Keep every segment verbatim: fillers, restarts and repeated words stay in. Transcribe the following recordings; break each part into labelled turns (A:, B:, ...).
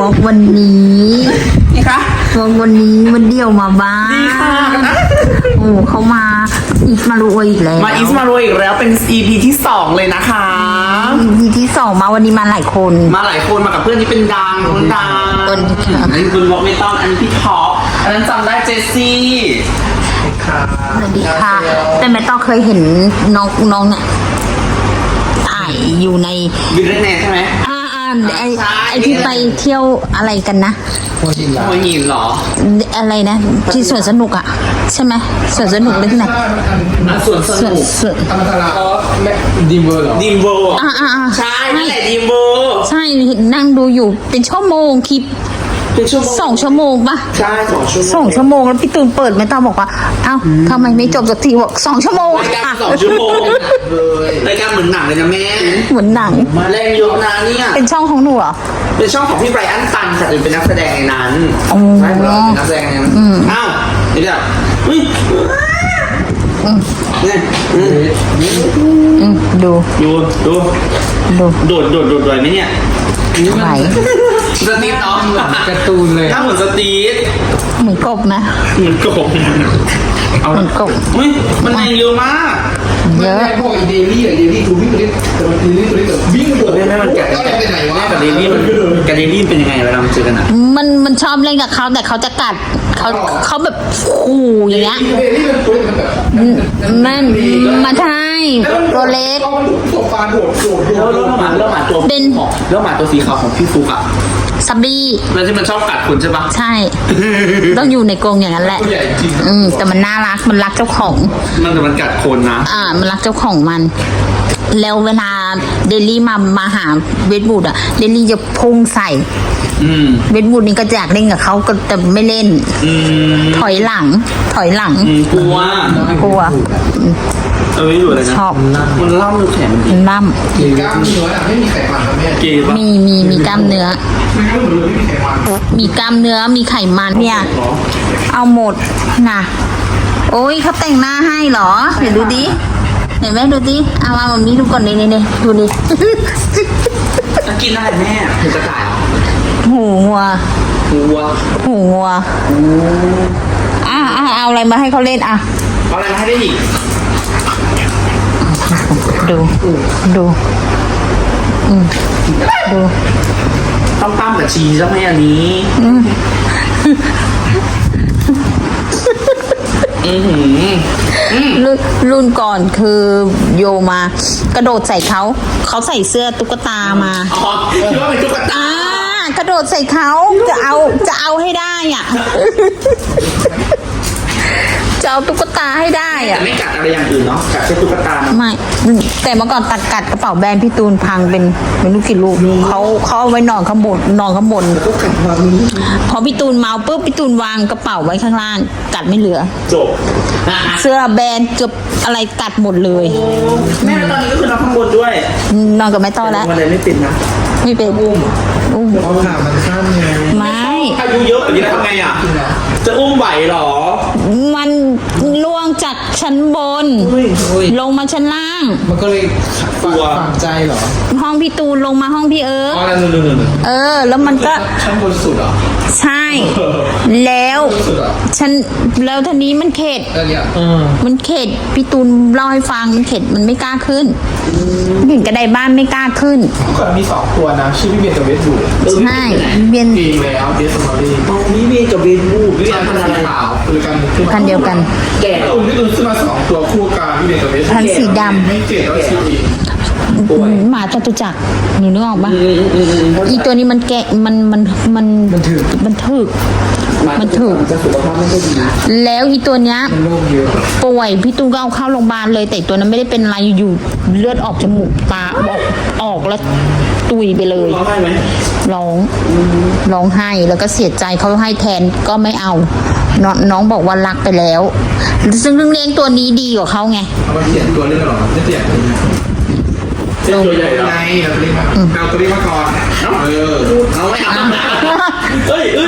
A: วอล์กวันนี้
B: นี่คะ
A: วอล์กวันนี้มันเดี่ยวมาบ้าง
B: ดีค่ะ
A: โอ้เขามาอีกมารุยอีกแล้ว
B: มาอีสมาโรอีกแล้วเป็น อี พี ที่สองเลยนะคะ
A: อี พี ที่สองมาวันนี้มาหลายคน
B: มาหลายคนมากับเพื่อนที่เป็นดังคนดัง
A: คนค่ะ
B: อันนี้คุณวอล์กไม่ต้องอันนี้พี่ท็อปอันนั้นจำได้เจสซี่
A: สวัสดีค่ะแต่แม่ต้องเคยเห็นน้องน้องเนี่ยถ่ายอยู่ใน
B: ยูเรเนใช่ไหม
A: อ่าอ่าไอไอที่ไปเที่ยวอะไรกันนะ
B: หัวหินเหรอ
A: อะไรนะที่สวนสนุกอ่ะใช่ไหมสวนสนุกเลยที่ไหน
B: สวนสนุก
A: สวน
C: ธรรมศาสตร์อ๋อดีมเวอร์เหรอ
B: ดีมเวอร์
A: อ่าอ่า
B: ใช่นั่นแหละดีมเวอร์
A: ใช่นั่งดูอยู่เป็นชั่วโมงคลิป
B: เป็นชั่วโมง
A: สองชั่วโมงป่ะ
B: ใช่สองชั่วโมง
A: สองชั่วโมงแล้วพี่ตูนเปิดไม่ต้องบอกว่าเอ้าทำไมไม่จบสักทีบอกสองชั่วโมง
B: รายการสองชั่วโมงเลยรายการเหมือนหนังเลยนะแม่
A: เหมือนหนัง
B: แรงเยอะนะเนี่ย
A: เป็นช่องของหนูเหรอ
B: เป็นช่องของพี่ไบรอันตันค่ะเป็นนักแสดงในนั้นใช่เหรอเป็นนักแสดงในนั้นอ้าวเดี๋ยวอุ้ยเนี่ย
A: ดู
B: ดูดู
A: ดู
B: โดดโดดโดดไหวไหมเนี่ย
A: ไหว
B: สตีฟเนาะ
C: การ์ตูนเลย
B: ถ้าเหมือนสตีฟ
A: เหมือนกบนะ
B: เหมือนกบ
A: เอาเหมือนกบ
B: อุ้ยมันแรงเยอะมาก
A: เยอะ
C: พวกเดลี่อะเดลี่คือวิ่งตัวนี้แต่เดลี่ตัวนี้แบบวิ่งตัว
B: แม่แม่มันแกะแม่กับเดลี่มันกับเดลี่เป็นยังไงเวลามันเจอกันอ่ะ
A: มันมันชอบเล่นกับเขาแต่เขาจะกัดเขาเขาแบบขู่อย่างเงี้ย
C: เดลี่มันตัวมันแบบ
A: มันมาใช่ตัวเล็ก
C: ตัวปลาโดดโดด
B: แล้วแล้วหมาแล้วหมาตัวเป็นแล้วหมาตัวสีขาวของพี่ฟุกอ่ะ
A: ซับบี้
B: แล้วที่มันชอบกัดคุณใช่ปะ
A: ใช่ต้องอยู่ในกรงอย่างนั้นแหละอืมแต่มันน่ารักมันรักเจ้าของ
B: มันแต่มันกัดคนนะ
A: อ่ามันรักเจ้าของมันแล้วเวลาเดลี่มามาหาเวทบูดอ่ะเดลี่จะพุ่งใส่เวทบูดนี่ก็อยากเล่นกับเขาก็แต่ไม่เล่นถอยหลังถอยหลัง
B: กลัว
A: กลัว
B: เออไม่อยู่เลยนะ
A: ชอบ
B: มันล่ำดูแข็ง
A: มันล่ำ
C: มีกล้ามเนื้อไม่มีไขมันนะแม่
B: เกย์
A: มีมีมีกล้ามเนื้อมีกล้ามเนื้อมีไขมันเนี่ยเอาหมดนะโอ้ยเขาแต่งหน้าให้เหรอเดี๋ยวดูดิเห็นไหมดูดิเอามาแบบนี้ดูก่อนนี่นี่นี่ดูดิ
B: กินอะไรแม่เห็นกระต่าย
A: หูงัว
B: หูวัว
A: หูงัวอ่ะอ่ะเอาอะไรมาให้เขาเล่นอ่ะ
B: เอาอะไรมาให้ได้อีก
A: ดูดูอืมดู
B: ต้องตั้มกับชีใช่ไหมอันนี้
A: รุ่นรุ่นก่อนคือโยมากระโดดใส่เขาเขาใส่เสื้อตุ๊กตามา
B: อ๋อคิดว่าเป็นตุ๊กตา
A: อ่ากระโดดใส่เขาจะเอาจะเอาให้ได้อ่ะจะเอาตุ๊กตาให้ได้อ่ะ
B: แต่ไม่กัดอะไรอย่างอื่นเนาะกัดแค่ตุ๊กตา
A: ไม่แต่เมื่อก่อนตัดกัดกระเป๋าแบรนด์พี่ตูนพังเป็นเป็นลูกกี่ลูกเขาเขาเอาไว้นอนข้างบนนอนข้างบนพอพี่ตูนเมาปุ๊บพี่ตูนวางกระเป๋าไว้ข้างล่างกัดไม่เหลือ
B: จบ
A: เสื้อแบรนด์เกือบอะไรกัดหมดเลย
B: แม่ตอนนี้ก็คือนอนข้างบนด้วย
A: นอนกับแม่ต้อแล้ว
B: มันเลยไม่ติดนะ
A: ไม่เป็น
B: อุ้ม
A: อุ้ม
C: เอาขามันสั้นไง
A: ไม่
B: อายุเยอะอย่างนี้ทำไงอ่ะจะอุ้มไหวหรอ
A: มันล่วงจากชั้นบนลงมาชั้นล่าง
C: มันก็เลยฝังใจเหรอ
A: ห้องพี่ตูนลงมาห้องพี่เอิร์ก
C: อ๋อนั่นๆๆ
A: เออแล้วมันก็
C: ชั้นบนสุดเหรอ
A: ใช่แล้วฉันแล้วทีนี้มันเข็ดมันเข็ดพี่ตูนเล่าให้ฟังมันเข็ดมันไม่กล้าขึ้นเห็นกระไดบ้านไม่กล้าขึ้น
C: เมื่อก่อนมีสองตัวนะชื่อพี่เบียร์กับเวทบูด
A: ใช่เบียร์
C: ปีแล้วเดสมอรี่
B: พี่เบียร์กับเวทบูดพี่เบียร์พันธุ์ขาว
C: คือกัน
A: พันเดียวกัน
C: แก่ตุ้นที่ตุ้นซื้อมาสองตัวคู่กันพี่เบียร์กับเวท
A: พันสีดำ
C: ไม่เจ็ดแล้วชื่ออีก
A: หมาจตุจักรหนูนึกออกปะอีตัวนี้มันแกะมันมันมัน
C: มันถึก
A: มันถึกมันถึกแล้วอีตัวเนี้ยป่วยพี่ตูนก็เอาเข้าโรงพยาบาลเลยแต่ตัวนั้นไม่ได้เป็นอะไรอยู่เลือดออกจมูกตาออกออกแล้วตุยไปเลย
B: ร้องไห้ไหม
A: ร้องร้องไห้แล้วก็เสียใจเขาให้แทนก็ไม่เอาน้องน้องบอกว่ารักไปแล้วซึ่งเลี้ยงตัวนี้ดีกว่าเขาไง
C: เอามาเปลี่ยนตัวเล่นหรอไม่เปลี่ยนตัวใหญ่ไงเราตัวนี้มาเอาตัวนี้มาก่อนเออ
B: เอาไม่เอาเฮ้ยเฮ้ย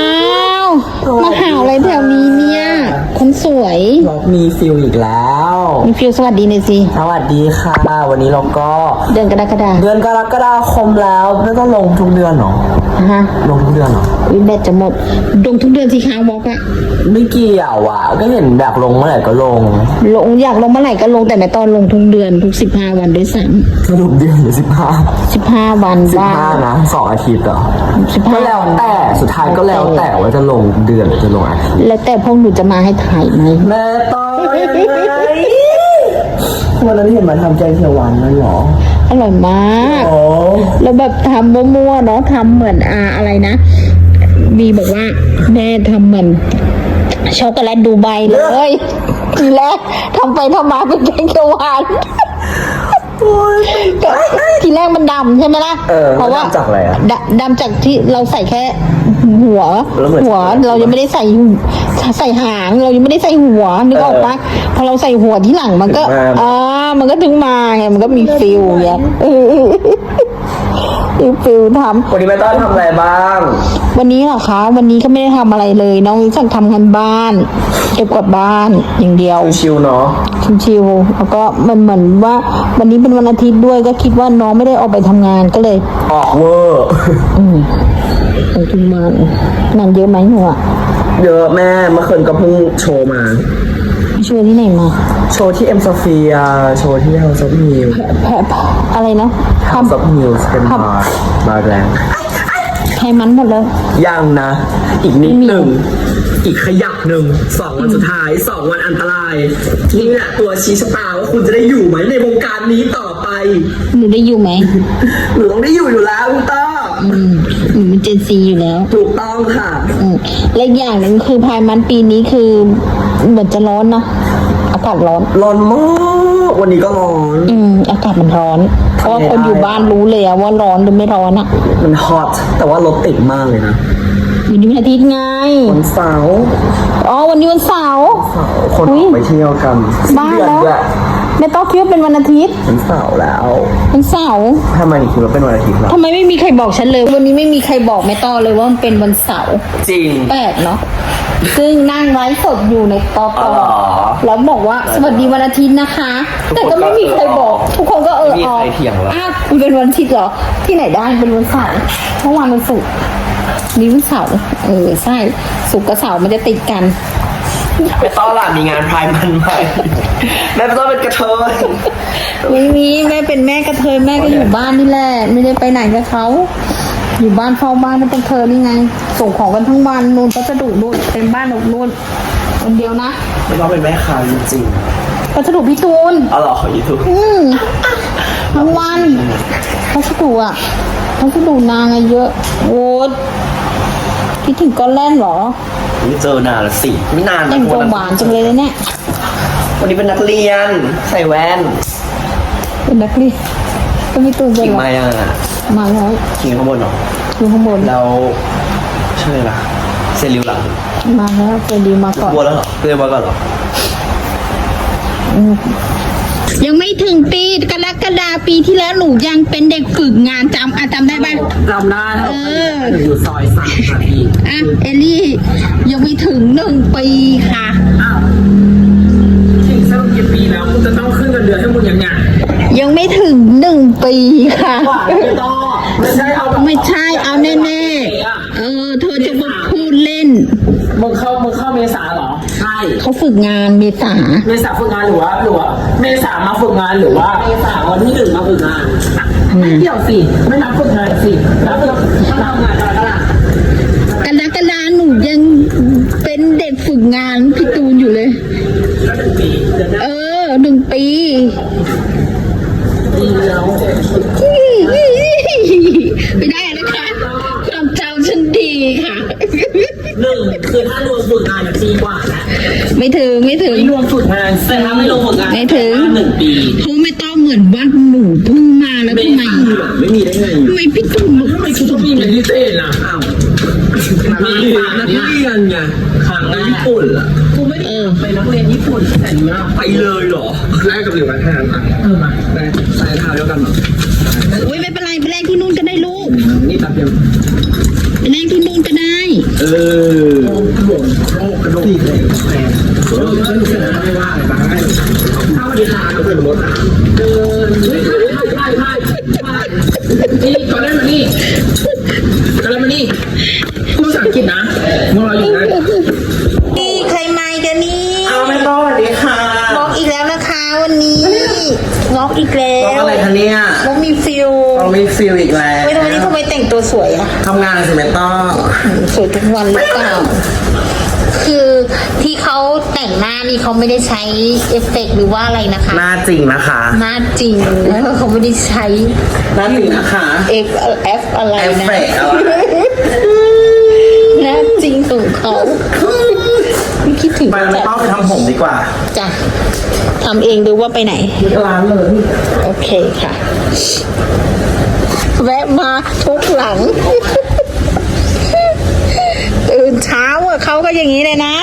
A: ว้าวมาหาอะไรแถวนี้เนี่ยคนสวย
B: มีฟิลอีกแล้ว
A: มีฟิลสวัสดีหน่อยสิ
D: สวัสดีค่ะ วันนี้เราก็
A: เดือนกรกฎา
D: เดือนกรกฎาคมแล้วไม่ต้องลงทุกเดือนเหรอ
A: ฮะ
D: ลงทุกเดือนเหรอ
A: วิแบตจะหมดลงทุกเดือนสิคะวอกอะ
D: ไม่เกี่ยวอ่ะ ก็เห็นแบบลงเมื่อไหร่ก็ลง
A: ลงอยากลงเมื่อไหร่ก็ลงแต่ไม่ตอนลงทุกเดือนทุกสิบห้าวันด้วยซ้
D: สรุปเดือนหรือสิบห้า
A: ำสิบห้าวัน
D: สิบ
A: บ้าง
D: ห้านะสองอาทิตย์เหรอ
A: สิบห้า
D: ก็แล้วแต่สุดท้ายก็แล้วแต่ว่าจะลงเดือนหรือจะลงอาทิตย์
A: แล้วแต่พวกหนูจะมาให้ถ่ายไหม
D: แม่ต้อยยังไงวันนั้นเห็นมาทำแกงเขียวหวานนั่นเหรอ
A: อร่อยมาก
D: โอ้
A: แล้วแบบทำมั่วๆเนาะทำเหมือนอาอะไรนะบีบอกว่าแม่ทำเหมือนช็อกโกแลตดูไบเลยทีแรกทำไปทำมาเป็นแกงเขียวหวานก็ทีแรกมันดำใช่ไหมล่ะ
D: เออ
A: เพราะว่า
D: ดำจากอะไรอ่ะ
A: ดำดำจากที่เราใส่แค่หัว
D: แล้วเหมือน
A: หัวเรายังไม่ได้ใส่ใส่หางเรายังไม่ได้ใส่หัวนึกออกปะพอเราใส่หัวที่หลังมันก็
D: ถึงมา
A: อ่ามันก็ถึงมาไงมันก็มีฟิลไงเออมีฟิลทำ
D: วันนี้แม่ต้อยทำอะไรบ้าง
A: วันนี้เหรอคะ วันนี้ก็ไม่ได้ทำอะไรเลย น้องสั่งทำงานบ้าน เก็บกวาดบ้านอย่างเดียว
D: ชิวๆเนาะ
A: ชิวๆแล้วก็มันเหมือนว่า วันนี้เป็นวันอาทิตย์ด้วยก็คิดว่าน้องไม่ได้ออกไปทำงานก็เลย
D: ออกเวอร์
A: อืมไปทุกวันงานเยอะไหมหนูอะ
D: เยอะแม่เมื่อคืนก็เพิ่งโชว์มา
A: ช่วยที่ไหนมา
D: โชว์ที่เอ็มโซเฟียโชว์ที่ House of News
A: แพะอะไรนะ
D: House of News เป็นบาร์บาร์แรง
A: ไทยมันหมดเลย
D: ยังนะ อีกนิดหนึ่ง อีกขยักหนึ่งสองวันสุดท้ายสองวันอันตรายนี่แหละตัวชี้ชะตาว่าคุณจะได้อยู่ไหมในวงการนี้ต่อไป
A: หนูได้อยู่ไหม
D: หนูต้องได้อยู่อยู่แล้วคุณต้อ
A: อืมหนูเป็นเจนซีอยู่แล้ว
D: ถูกต้องค่ะ
A: อืมและอีกอย่างหนึ่งคือพายมันปีนี้คือเหมือนจะร้อนนะอากาศร้อน
D: ร้อนมากวันนี้ก็ร้อน
A: อืมอากาศมันร้อน เพราะว่าคนอยู่บ้านรู้เลยอะว่าร้อนหรือไม่ร้อนอะ
D: มันฮอตแต่ว่ารถติดมากเลยนะ
A: วันนี้วันอาทิตย์ไง
D: วันเสาร์
A: อ๋อวันนี้วันเสาร์
D: คน
A: อุ๊
D: อย อกไปเที่ยวกัน
A: บ้า
D: เดือน
A: แล้ว
D: ด้วย
A: ไม่ต้องคิดว่าเป็นวันอาทิตย์
D: วันเสาร์แล้ว
A: วันเสาร์
D: ทำไมถึงคิดว่าเป็นวันอาทิตย์ล่ะ
A: ทำไมไม่มีใครบอกฉันเลย วันนี้ไม่มีใครบอกแม่ต้อเลยว่ามันเป็นวันเสาร์
D: จริง
A: แปลกเนาะซึ่งนั่งไลฟ์สดอยู่ในตอต
D: อ๋
A: อ
D: อ
A: แล้วบอกว่าสวัสดีวันอาทิตย์นะคะ แต่ก็ไม่มีใครบอก ทุกคนก็เออ
D: ไม่มี
A: ออ
D: ใครเถียงหรอก
A: อ้าวมันเป็นวันอาทิตย์เหรอ ที่ไหนได้เป็นวันเสาร์เมื่อวานวันศุกร์นี่วันเสาร์เออใช่ศุกร์กับเสาร์มันจะติดกัน
D: แม่ต้อหล่ะมีงานพายมันไหมแม่ต้อเป็นกระเทย
A: ไม่มีแม่เป็นแม่กระเทยแม่ก็อยู่บ้านนี่แหละไม่ได้ไปไหนกับเขาอยู่บ้านเฝ้าบ้านนั่นเป็นเธอนี่ไง ส่งของกันทั้งวันนู่นพัสดุนู่นเต็มบ้านนู่นนู่นคนเดียวนะ
D: แม่ต้อเป็นแม่ค้าจริง
A: พัสดุพี่ตูน
D: ๆอ๋อเหรอขอยูทูบ
A: อืมทั้งวันพัสดุอ่ะพัสดุนางอะเยอะโอ้คิดถึงก้อนแล่นเหรอ
D: ไม่เจอนานละสิไม่นาน
A: แต่งตัวหวานจังเลยนะเนี่ย
D: วันนี้เป็นนักเรียน ใส่แว่น
A: เป็นนักเรียนก็มีตูนเป็น
D: กิ่ง
A: เหรอ
D: ไม้อ่ะ
A: มาแล้ว
D: กิ่งข้างบนเหรอ
A: อยู่ข้างบน
D: แล้วชื่ออะไรล่ะเซริวหลัง
A: มาแล้วเจดีมาก่อน
D: บัวแล้วเหรอเรียกว่าก่อนเหรอ
A: ยังไม่ถึงปีกรกฎาปีที่แล้วหนูยังเป็นเด็กฝึกงานจำอะจำได้ปะ
D: จำได้
A: เออ
D: อยู่ซอยสามนาที
A: อ่ะเอลลี่ยังไม่ถึงหนึ่งปีค่ะ
D: ถึงสักกี่ปีแล้วคุณจะต้องขึ้นเงินเดือนให้มึงอย่างเงี้ย
A: ยังไม่ถึงหนึ่งปีค่ะ
D: ไม่ต้องไม่ใช่เอาแบบ
A: ไม่ใช่เอาแน่ๆเออ เธอจะมาพูดเล่น
E: มึงเข้ามึงเข้าเมษาเหรอ
D: ใช่
A: เขาฝึกงานเมษา
E: เมษาฝึกงานหรือว่าหรือว่าเมษามาฝึกงานหรือว่าเมษาวันที่หนึ่งมาฝึกงานไม่เกี่ยวสิไม่นับฝึกงานสินับฝึกถ้าทำงานอะไรก็ล่ะ
A: กรกฎาหนูยังเป็นเด็กฝึกงานพี่ตูนอยู่เลย
E: ก็หนึ่งปีเดือนหน้า
A: เออหนึ่งปี
E: ปีแล้ว
A: ไม่ได้นะคะความจำฉันดีค่ะ
E: หนึ่งคือถ้ารวมฝึกงานเนี่ยปีกว่าแล้ว
A: ไม่ถึงไม่ถึง
E: ไม่รวมฝึกงานแต่ถ้าไม่รวมฝึกงาน
A: ไม่ถึง
E: หนึ่งปี
A: เขาไม่ต้องเหมือนว่าหนูเพิ่งมาแล้วทำไม
E: ไม่มีได้ไง
A: ทำไมพี่ตูน
E: ทำไมคุณต้องมีเป็นพิเศษล่ะอ้าวมีนักเรียนไงครั้งแรกญี่ปุ่นล่ะกูไม่ได้ไปนักเรียนญี่ปุ่นแต่นี่นะ
D: ไปเลยเหรอ
C: แรกกับหรือวันแทนอ่ะ
E: เออมา
C: ได้ใส่เท้าเดียวกันเหรอ
A: โอ้ยไม่เป็นไรไปแรงที่นู่นก็ได้ลูก
C: นี่ตัดเดียว
A: ไปแรงที่นู่นก็ได้
D: เออ
C: หลวงโอ้กระโดดตีเลยแทนเออฉันเสร็จแล้วไม่ว่าอะไรบ้างให้ถ้าวัน
D: ก็เป็นมด
E: เดินไม่ใช่ไม่ใช่ไม่ใช่นี่ก่อนได้มานี่ก่อนได้มานี่พูดภาษาอังกฤษนะมึงรออยู่นะ
A: นี่ใครมากันนี่
B: เอาไม่ต้องสวัสดีค่ะ
A: บล็อกอีกแล้วนะคะวันนี้บล็อกอีกแล้
B: บอก
A: ว
B: อะไรคะเนี่ย
A: บล็อกมีฟิล
B: เราไม่ฟิลอีกแล้ว
A: ไม่รู้วันนี้ทำไมแต่งตัวสวยอะ
B: ทำงานสิไม่ต้อง
A: สวยทุกวันหรือเปล่าคือที่เขาแต่งหน้านี่เขาไม่ได้ใช้เอฟเฟกต์หรือว่าอะไรนะคะ
B: หน้าจริงนะคะ
A: หน้าจริงแล้วเขาไม่ได้ใช้
B: หน้าจริงนะคะ
A: F F อะไร
B: เอฟ
A: นะ
B: เฟกต์อะไร
A: หน้าจริงของเขาไม่คิดถึง
B: ไปไม่
A: จัด
B: ต้องไปทำผมดีกว่า
A: จ้ะทำเองหรือว่าไปไหน
B: ร้านเลย
A: โอเคค่ะ แวะมาทุกหลัง ตื่นเช้าอะเขาก็อย่างนี้เลยนะ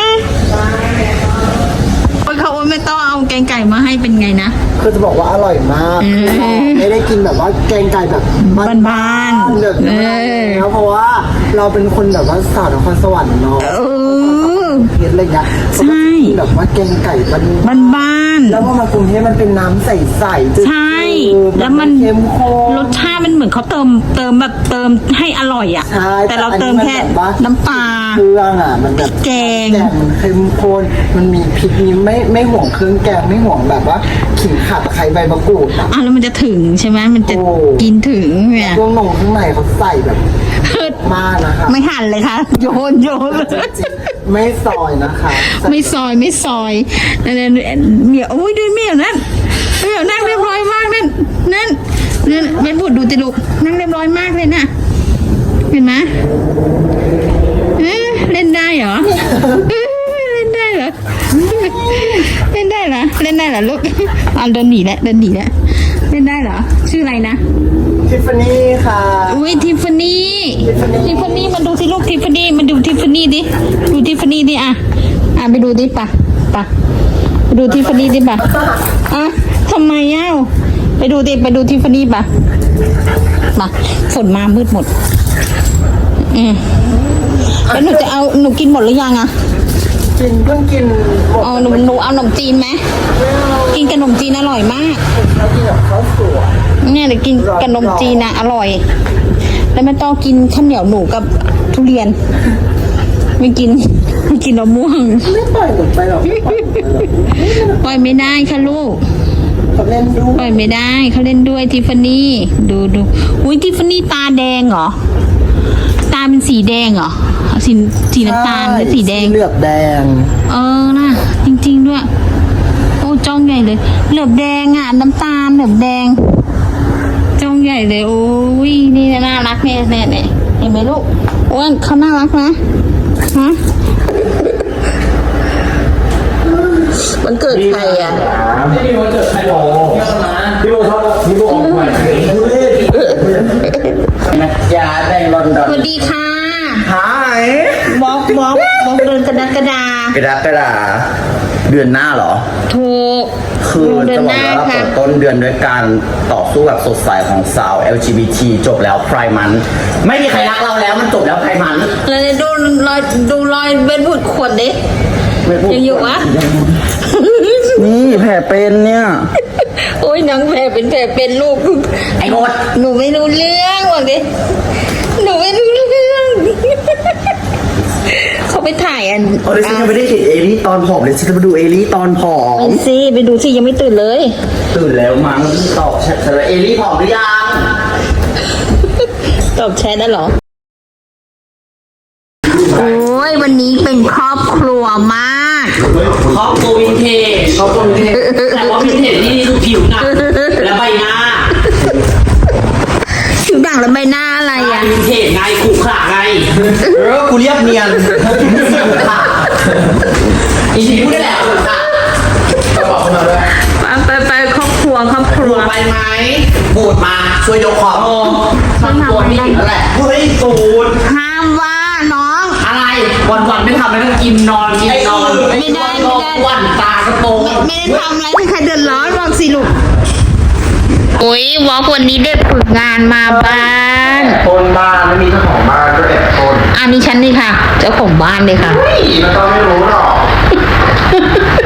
A: โอ้ยเขาไม่ต้องเอาแกงไก่มาให้เป็นไงนะ
F: คือจะบอกว่าอร่อยมาก
A: อืม
F: ไม่ได้กินแบบว่าแกงไก่แบบ
A: บ้านๆ
F: แบบ
A: เอ
F: นี้
A: อ
F: แล้วเพราะว่าเราเป็นคนแบบว่าสาวนครสวรรค์เนาะ
A: เออ
F: เพชรอะไรเงี้ย
A: ใช่
F: แบบว่าแกงไก่มัน
A: บ้านบ้าน
F: แล้วพอมากรุงเทพมันเป็นน้ำใสๆจืดๆ
A: ใช่ แล้วมัน
F: เข้มข้น
A: รสชาติมันเหมือนเขาเติมเติมแบบเติมให้อร่อยอ่ะ
F: ใช่
A: แต่เราเติมแค่
F: อันนี้มันแบบว่า
A: น้ำปลา
F: เครื่องอ่ะมันแบบ
A: แกง
F: แกงมันเข้มข้นมันมีพริกนี้ไม่ไม่ห่วงเครื่องแกงไม่ห่วงแบบว่าขิงข่าตะไคร้ใบมะกรูดอ่ะ
A: อ่ะแล้วมันจะถึงใช่ไหมมันจะ
F: โอ้
A: กินถึงเนี่ย
F: เครื่องนงข้างในเขาใส่แบบมากนะคะ
A: ไม่หั่นเลยค่ะ โยนโยนเลย
F: จริงๆไม่ซอยนะคะ
A: ไม่ซอยไม่ซอยนั่นนั่นเมียโอ้ยดูเมียนั่นเมียนั่งเรียบร้อยมากนั่นนั่นนั่นแม่บุตรดูติลูกนั่งเรียบร้อยมากเลยนะเห็นไหมเอ๊ะเล่นได้เหรอเอ๊ะเล่นได้เหรอเล่นได้เหรอเล่นได้เหรอลูกอ่ะเดินหนีแล้วเดินหนีแล้วเล่นได้เหรอชื่ออะไรนะ
F: ทิฟฟานี่ค่ะ
A: อุ้ยทิฟฟานี่ทิฟฟานี่มาดูสิลูกทิฟฟานี่มาดูทิฟฟานี่ดิดูทิฟฟานี่ดิอ่ะอ่ะไปดูดิปะปะไปดูทิฟฟานี่ดิปะอ่ะทำไมเอ้าไปดูดิไปดูทิฟฟานี่ปะมาฝนมามืดหมดอืมแล้วหนูจะเอาหนูกินหมดหรือยังอ่ะ
F: กินเพิ่งกินหมด
A: เอาหนูหนูเอาขนมจีนไหมกินกับขนมจีนอร่อยมาก
F: แล้วกินกับข้าวสวย
A: เนี่ยเดี๋ยวกินกับขนมจีนนะอร่อย แล้วไม่ต้องกินข้าวเหนียวหนูกับทุเรียน ไม่กินไม่กินมะม่วง
F: ไม่ปล่อยหนูไปหรอกไม่ปล่อยหนูไปหรอก
A: ปล่อยไม่ได้ค่ะลูก
F: เขาเล่นด้ว
A: ปล่อย ยไม่ได้เขาเล่นด้วยทิฟฟานี่ดูดูอุ้ยทิฟฟานี่ตาแดงเหรอตาเป็นสีแดงเหรอสีสีน้ำตาลหรือสีแดง
F: เหลือบแดง
A: เออน่ะจริง ๆด้วย โอ้จ้องใหญ่เลย เหลือบแดงอ่ะน้ำตาลเหลือบแดงจ้องใหญ่เลยโอ้ยนี่น่ารักเนี่ยเนี่ยเนี่ยเห็นไหมลูกอ้วนเขาน่ารักนะฮะมันเกิดใครอ่ะ
D: พี่โมเจอใครบอกพี่โมชอบพี่โมออกใหม่
B: นะยาแดงลอนดอ
A: ส
B: น
A: วัสดีค่ะ
B: หาย
A: บล็อกบล็อกบล็อกเดินกระดากระดาก
B: ระดาษกระดาษเดือนหน้าเหรอ
A: ถูก
B: คือ
A: เดิ
B: จะ
A: น
B: บ
A: ห
B: อก
A: น้า
B: ว่าเรา
A: ค่ะ
B: เปิดต้นเดือนด้วยการต่อสู้แบบสดใสของสาว แอล จี บี ที จบแล้วไพร์มัน ไม่มีใครรักเราแล้วมันจบแล้วไพร์มัน
A: เลยดูรอยดูรอยเบ็ดบุดขวดดิ
B: ไม่พูด
A: ยังอยู่วะ
B: นี่แผลเป็นเนี่ย
A: โอ้ยหนังแผลเป็นแผลเป็นลูก
B: ไอ้โงด
A: หนูไม่รู้เรื่องบอกดิหนูไม่รู้เรื่อง เขาไปถ่ายอัน
B: โอ้ยฉันยังไม่ได้เห็นเอลี่ตอนผอมเลยฉันจะมาดูเอลี่ตอนผอ
A: ไป
B: ม
A: สิไปดูสิยังไม่ตื่นเลย
B: ตื่นแล้วมั้งตอบแชทเลยเอลี่ผอมหรือยัง
A: ตอบแชทได้เหรอ โอ้ยวันนี้เป็นครอบครัวมาก
E: ครอบครัววินเทจครอบครัววินเทจแต่ว่าวินเทจนี่คือผิวหนังและใบหน้า
A: ผิวด่างและใบหน้าอะไรอ่ะ
E: วินเทจไงขู่ขระไง
B: เออกูเรียบเนียน
E: อีกทีพูดได้แหละขู่ขระ
A: ไปไปครอบครัวครอบครัว
E: ไปไหม
B: บูดมาช่วยยกของ
E: โอ้ครอบครัวนี่นั่นแหละ
B: เฮ้ยตูด
A: ห้ามว่าน้อง
E: อะไรวันวันๆไม่ทำอะไรต้องกินนอนกินนอน
A: ไม่ได้ไม่ได้
E: วันตากระโปรง
A: ไม่ได้ทำอะไรให้ใครเดือดร้อนบอกสิลูกโอ้ยวอล์กวันนี้ได้ฝึกงานมาบ้าน
C: ต้นบ้านไม่มีเจ้าของบ้านก็แอบต้น
A: อันนี้ฉันนี่ค่ะ เจ้าของบ้านเลยค่ะ
C: นี่มันก็ไม่รู้หรอก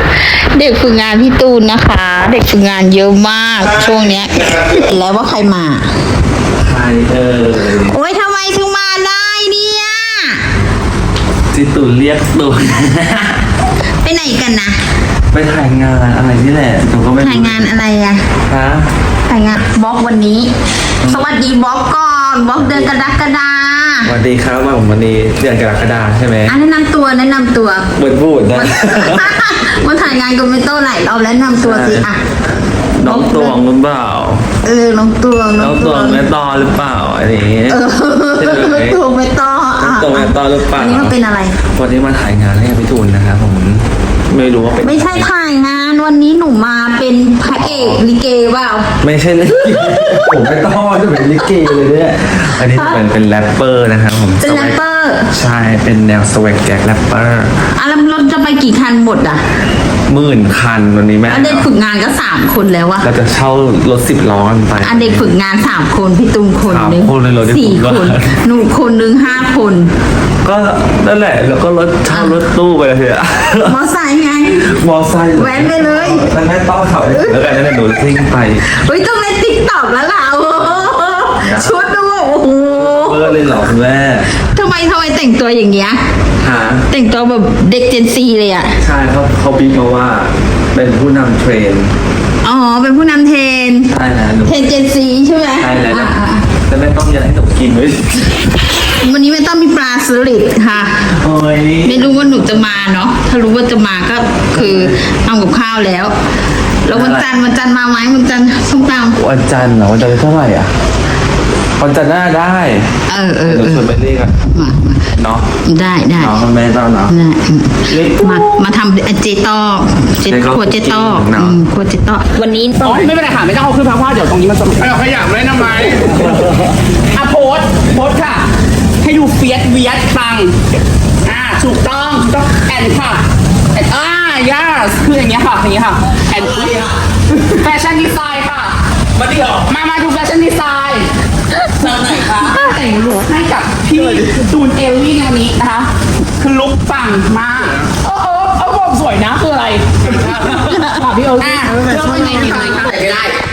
A: เด็กฝึกงานพี่ตูนนะคะ เด็กฝึกงานเยอะมากช่วงเนี้ยเห็นแล้วว่าใครมา
C: ใครเออ
A: โอ๊ยทำไมถึงมาได้เนี่ย
C: จิตุนเรียกตูน
A: ไปไหนกันนะ
C: ไปถ่ายงานอะไรนี่แหละหนูก็ไม่รู้
A: ถ่ายงานอะไรอะ
C: ฮะ
A: ถ่ายงานบล็อกวันนี้ สวัสดีบล็อกก่อนบล็อกเดือนกรกฎา
C: สวัสดีครับว่าผมวันนี้เดือนกรกฎาใช่ไหม
A: อ่ะแนะนำตัวแนะนำตัว
C: เบิดบูดนะ
A: มาถ่ายงานกับเมโต้หลายรอบแล้วแนะนำตัวสิอ่ะ
C: น้องตวงหรือเปล่า
A: เออน้องตวง
C: น้องตวงแม่ตอหรือเปล่าอะไรอย่างเงี้ย
A: เออ
C: ใช่ไหม
A: ตวงเมโต้
C: น้องตวงแม่ตอหรือเปล่า
A: อันนี้มันเป็นอะไร
C: วันนี้มาถ่ายงานให้พี่ตูนนะครับผมไม่รู้ว่าเป็น
A: ไม่ใช่ถ่ายงานวันนี้หนูมาเป็นพระเอกลิเกเปล่า
C: ไม่ใช่เลยผมไม่ต้องจะเป็นลิเกเลยเนี่ยอันนี้เป็นเป็นแรปเปอร์นะครับผม
A: เป็นแรปเปอร์
C: ใช่เป็นแนวสวักแจ็คแรปเปอร์
A: อ่ะแล้วรถจะไปกี่คันหมดอ่ะ
C: หมื่นคันวันนี้แม่
A: อันเด็กฝึกงานก็สามคนแล้วอะ
C: เราจะเช่ารถสิบล้อกันไป
A: อันเด็กฝึกงานสามคนพี่ตุ้มคนหนึง
C: สามคนเลยเหรอเด็กฝึ
A: สี่
C: กงาน
A: คนหนูคนหนึงห้าคน
C: ก็นั่นแหละแล้วก็รถเช่ารถตู้ไปเลยเถอะ
A: มอไซค์ไง
C: มอไซค์
A: แว้นไปเลย
C: นั่นแม่ต้องขับแล้วกันนั่นแหละหนูซิ่งไป
A: เฮ้ยต้องเล่นติ๊กต็อกแล้วล่ะโอ้โหชุดดูโอ้โห
C: เบอร์เลยเหรอคุณแม่
A: ทำไมทำไมแต่งตัวอย่างเงี้ย
C: หา
A: แต่งตัวแบบเด็กเจนซีเลยอะ
C: ใช่เขาเขาบีบมาว่าเป็นผู้นำเทรน
A: อ๋อเป็นผู้นำเทรน
C: ใช่นะหนู
A: เทรนเจนซีใช่ไหม
C: ใช่แล้ว
A: อ่ะ
C: นะ
A: อ่ะ
C: แต่แม่ต้องอยัดให้หนูกินด้วย
A: วันนี้ไม่ต้องมีปลาสลิดค่ะ
C: โอ้ย
A: ไม่รู้ว่าหนูจะมาเนาะ ถ้ารู้ว่าจะมาก็คือเอากับข้าวแล้ว แล้ววันจันทร์วันจันทร์มาไหมวันจันทร์ส้มตำ
C: วันจันทร์เหรอวันจันทร์เท่าไหร่อ่ะวันจันทร์หน้าได้
A: เออเออ
C: หนู
A: เอ
C: ชว
A: อน
C: ไปเรียกอะ
A: มา
C: เนาะ
A: ได้ได้
C: เนาะแม่ต้องเนาะ
A: ได้อืม
C: เรียก
A: มามาทำเจต้อเจ
C: เจต้อ
A: ครัวเจต้อ
C: เนอะ
A: อืมครัวเจต้อวันนี้
E: อ๋อไม่เป็นไรค่ะไม่ต้องเอาขึ้นเพราะว่าเดี๋ยวตรงนี้มันจะ
C: เอาขยับเลยนะไหม
E: อ่ะโพสต์โพสต์ค่ะ ให้ดูเฟียสเวียสปังอ่าถูกต้องถูกต้องแอนค่ะแอนอ่า yes คืออย่างเงี้ยค่ะอย่างเงี้ยค่ะแอนแฟชั่นดีไซน์ค่ะมาดิเหรอมามาดูแฟชั่นดีไซน์เติมหน่อยค่ะแต่งลุคให้กับพี่ตูนเอลลี่ในวันนี้นะคะคือลุคปังมากเออเออเออบอกสวยนะคืออะไรค่ะพี่เอลลี่
A: อ่ะ
E: เลือกยังไงดีคะ
B: ถ่ายไม่ได้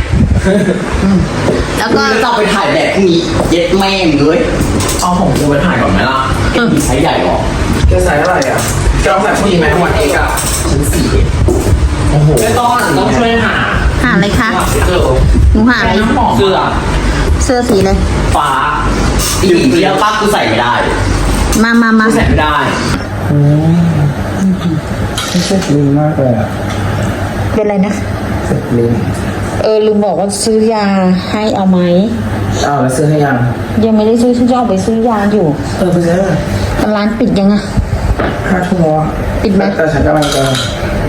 A: แล้ว
B: ก็
A: ก็
B: จะเอาไปถ่ายแบบพรุ่งนี้เย็ดแม่งเลยเอาของกูไปถ่ายก่อนไหมล่ะเอ็มดีไซส์ใหญ่หรอ
C: แกใส่เท่าไหร่อ่ะแกต้องใส่ผู้หญิงไหมทั้งวันเอกอะ
B: ชั้นสี่
C: ไม่ต้องต้องช่วยหา
A: หาอะไรคะ
C: เออ
A: หนูหาอะไร
C: เสื้อ
A: เสื้อสีอะไร
B: ฟ้าอีกเดียวป้ากูใส่ไม่ได้
A: มามามา
B: ใส่ไม่ได้
F: ไม่ใช่ลิงมากเลยอะ
A: เป็นอะไรนะ
F: ลิง
A: เออลืมบอกว่าซื้อยาให้เอาไหม
F: อ้าวแล้วซื้อให้ยัง
A: ยังไม่ได้ซื้อฉันจะออกไปซื้อยาอยู่
F: เออไปซื้อ
A: ร้านปิดยังอะ
F: ห้าทุ่มวะ
A: ปิดไหม
F: แต่ฉันกำลังจะ